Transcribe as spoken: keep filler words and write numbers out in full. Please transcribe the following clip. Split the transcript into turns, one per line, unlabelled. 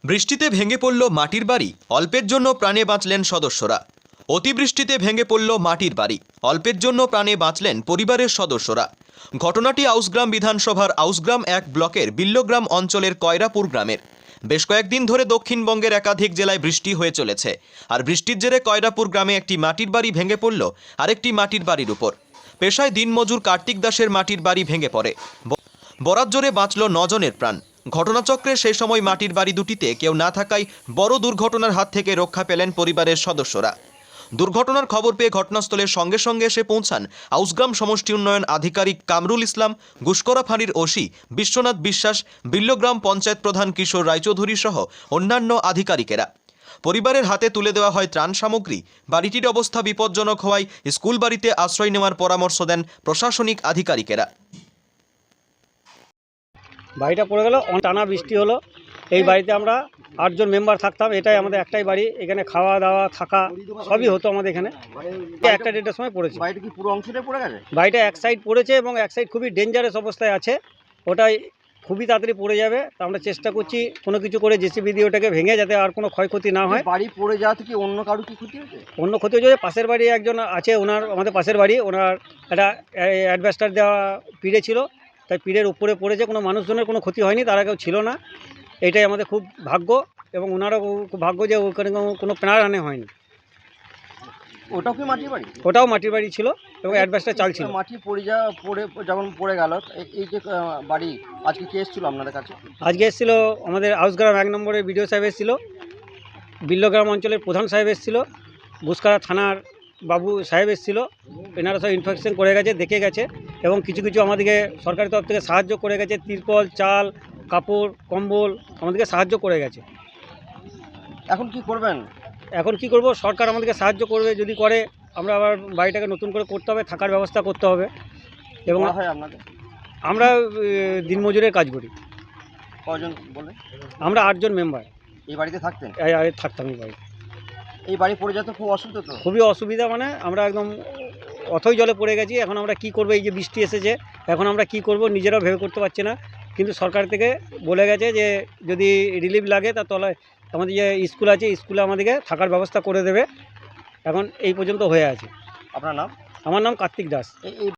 বৃষ্টিতে ভেঙে পড়ল মাটির বাড়ি, অল্পের জন্য প্রাণে বাঁচলেন সদস্যরা। অতিবৃষ্টিতে ভেঙে পড়ল মাটির বাড়ি, অল্পের জন্য প্রাণে বাঁচলেন পরিবারের সদস্যরা। ঘটনাটি আউসগ্রাম বিধানসভার আউসগ্রাম এক ব্লকের বিল্লগ্রাম অঞ্চলের কয়রাপুর গ্রামের। বেশ কয়েকদিন ধরে দক্ষিণবঙ্গের একাধিক জেলায় বৃষ্টি হয়ে চলেছে, আর বৃষ্টির জেরে কয়রাপুর গ্রামে একটি মাটির বাড়ি ভেঙে পড়ল আরেকটি মাটির বাড়ির উপর। পেশায় দিনমজুর কার্তিক দাসের মাটির বাড়ি ভেঙে পড়ে, বরাত জোরে বাঁচল নজনের প্রাণ। ঘটনাচক্রে সেই সময় মাটির বাড়ি দুটিতে কেউ না থাকায় বড় দুর্ঘটনার হাত থেকে রক্ষা পেলেন পরিবারের সদস্যরা। দুর্ঘটনার খবর পেয়ে ঘটনাস্থলের সঙ্গে সঙ্গে এসে পৌঁছান আউসগ্রাম সমষ্টি উন্নয়ন আধিকারিক কামরুল ইসলাম, গুসকরা ফাঁড়ির ওসি বিশ্বনাথ বিশ্বাস, বিল্লগ্রাম পঞ্চায়েত প্রধান কিশোর রায়চৌধুরী সহ অন্যান্য আধিকারিকেরা। পরিবারের হাতে তুলে দেওয়া হয় ত্রাণ সামগ্রী। বাড়িটির অবস্থা বিপজ্জনক হওয়ায় স্কুল বাড়িতে আশ্রয় নেওয়ার পরামর্শ দেন প্রশাসনিক আধিকারিকেরা।
বাড়িটা পড়ে গেল, টানা বৃষ্টি হলো। এই বাড়িতে আমরা আটজন মেম্বার থাকতাম। এটাই আমাদের একটাই বাড়ি, এখানে খাওয়া দাওয়া থাকা সবই হতো আমাদের এখানে। একটা দেড়টার সময় পড়েছে।
বাড়িটা কি পুরো অংশটাই পড়ে গেছে?
বাড়িটা এক সাইড পড়েছে এবং এক সাইড খুবই ডেঞ্জারাস অবস্থায় আছে। ওটাই খুবই তাড়াতাড়ি পড়ে যাবে। তা আমরা চেষ্টা করছি কোনো কিছু করে জেসিবি দিয়ে ওটাকে ভেঙে, যাতে আর কোনো ক্ষয়ক্ষতি না হয়।
বাড়ি পড়ে যাওয়া থেকে অন্য কারো কি ক্ষতি হয়েছে?
অন্য ক্ষতি হয়েছে, পাশের বাড়ি একজন আছে, ওনার আমাদের পাশের বাড়ি, ওনার একটা অ্যাডভেস্টার দেওয়া পিড়ে ছিল, তাই পিড়ের উপরে পড়েছে। কোনো মানুষজনের কোনো ক্ষতি হয়নি, তারা কেউ ছিল না। এটাই আমাদের খুব ভাগ্য, এবং ওনারও খুব ভাগ্য যে ওখানে কোনো প্রাণহানি হয়নি।
ওটাও কি মাটির বাড়ি?
ওটাও মাটির বাড়ি ছিল এবং অ্যাডভেস্টার চাল ছিল।
মাটি পড়ে যাওয়া পড়ে যখন পড়ে গেল, এই যে বাড়ি আজকে কে এসেছিল আপনাদের কাছে?
আজকে এসেছিল আমাদের আউসগ্রাম এক নম্বরের বিডিও সাহেব এসেছিল, বিল্লগ্রাম অঞ্চলের প্রধান সাহেব এসেছিল, গুসকরা থানার বাবু সাহেব এসেছিল। এনারা সব ইনফেকশন করে গেছে, দেখে গেছে, এবং কিছু কিছু আমাদেরকে সরকারি তরফ থেকে সাহায্য করে গেছে। তিরপল, চাল, কাপড়, কম্বল আমাদেরকে সাহায্য করে গেছে।
এখন কি করবেন?
এখন কি করব, সরকার আমাদেরকে সাহায্য করবে, যদি করে আমরা আবার বাড়িটাকে নতুন করে করতে হবে, থাকার ব্যবস্থা করতে হবে। এবং
হয় আপনাদের?
আমরা দিনমজুরের কাজ করি।
কজন বলে?
আমরা আটজন মেম্বার
এই বাড়িতে থাকতেন?
থাকতাম এই বাড়ি।
এই বাড়ি পড়ে যেতে খুব অসুবিধা তো?
খুবই অসুবিধা, মানে আমরা একদম অথই জলে পড়ে গেছি। এখন আমরা কি করব, এই যে বৃষ্টি এসেছে, এখন আমরা কি করব নিজেরাও ভেবে করতে পারছি না। কিন্তু সরকার থেকে বলে গেছে যে যদি রিলিফ লাগে, তার তলায় আমাদের যে স্কুল আছে, স্কুলে আমাদেরকে থাকার ব্যবস্থা করে দেবে। এখন এই পর্যন্ত হয়ে আছে।
আপনার নাম?
আমার নাম কার্তিক দাস।
এই